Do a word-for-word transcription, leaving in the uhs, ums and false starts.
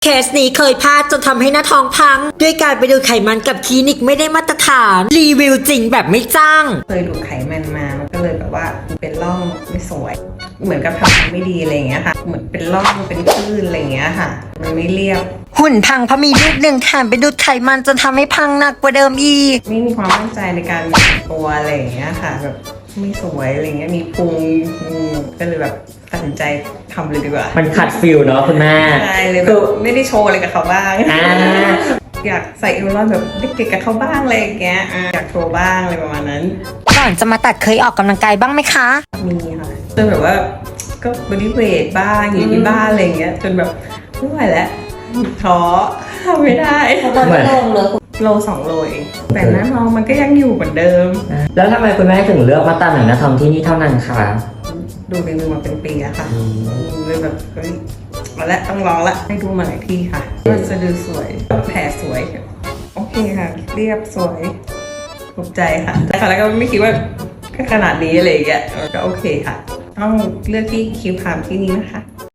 เคสนี้เคยพลาดจนทำให้หน้าท้องพังด้วยการไปดูไขมันกับคลินิกไม่ได้มาตรฐานรีวิวจริงแบบไม่จ้างเคยดูไขมันมามันก็เลยแบบว่าเป็นร่องไม่สวยเหมือนกับทำไม่ดีอะไรอย่างเงี้ยค่ะเหมือนเป็นร่องเป็นคลื่นอะไรอย่างเงี้ยค่ะมันไม่เรียบหุ่นพังเพราะมีลูกหนึ่งแถมไปดูดไขมันจนทำให้พังหนักกว่าเดิมอีกไม่มีความมั่นใจในการตัวอะไรอย่างเงี้ยค่ะแบบไม่สวยอะไรเงี้ยมีพุงก็เลยแบบตัดสินใจทำเลยดีกว่ามันขัดฟิลเนาะคุณแม่ใช่เลยแบบไม่ได้โชว์อะไรกับเขาบ้างอยากใส่เอวลอนแบบเด็กๆกับเขาบ้างอะไรอย่างเงี้ยอยากโชว์บ้างอะไรประมาณนั้นก่อนจะมาตัดเคยออกกำลังกายบ้างไหมคะมีค่ะจนแบบว่าก็บอดี้เวทบ้างอยู่ที่บ้านอะไรอย่างเงี้ยจนแบบไม่ไหวแล้วท้อทำไม่ได้ตอนนี้ลงเลยโลสองโลเองแต่หน้าท้องมันก็ยังอยู่เหมือนเดิมแล้วทำไมคุณแม่ถึงเลือกมาตัดหนังหน้าท้องที่นี่เท่านั้นคะดูรีวิวมาเป็นปีแล้วค่ะเลยแบบเฮ้ยมาแล้วต้องลองละให้ดูมาหลายที่ค่ะมันจะดูสวยแผลสวยโอเคค่ะเรียบสวยถูกใจค่ะแต่ค่ะแล้วก็ไม่คิดว่าขนาดนี้อะไรอย่างเงี้ยก็โอเคค่ะต้องเลือกที่คิวพามที่นี้นะคะ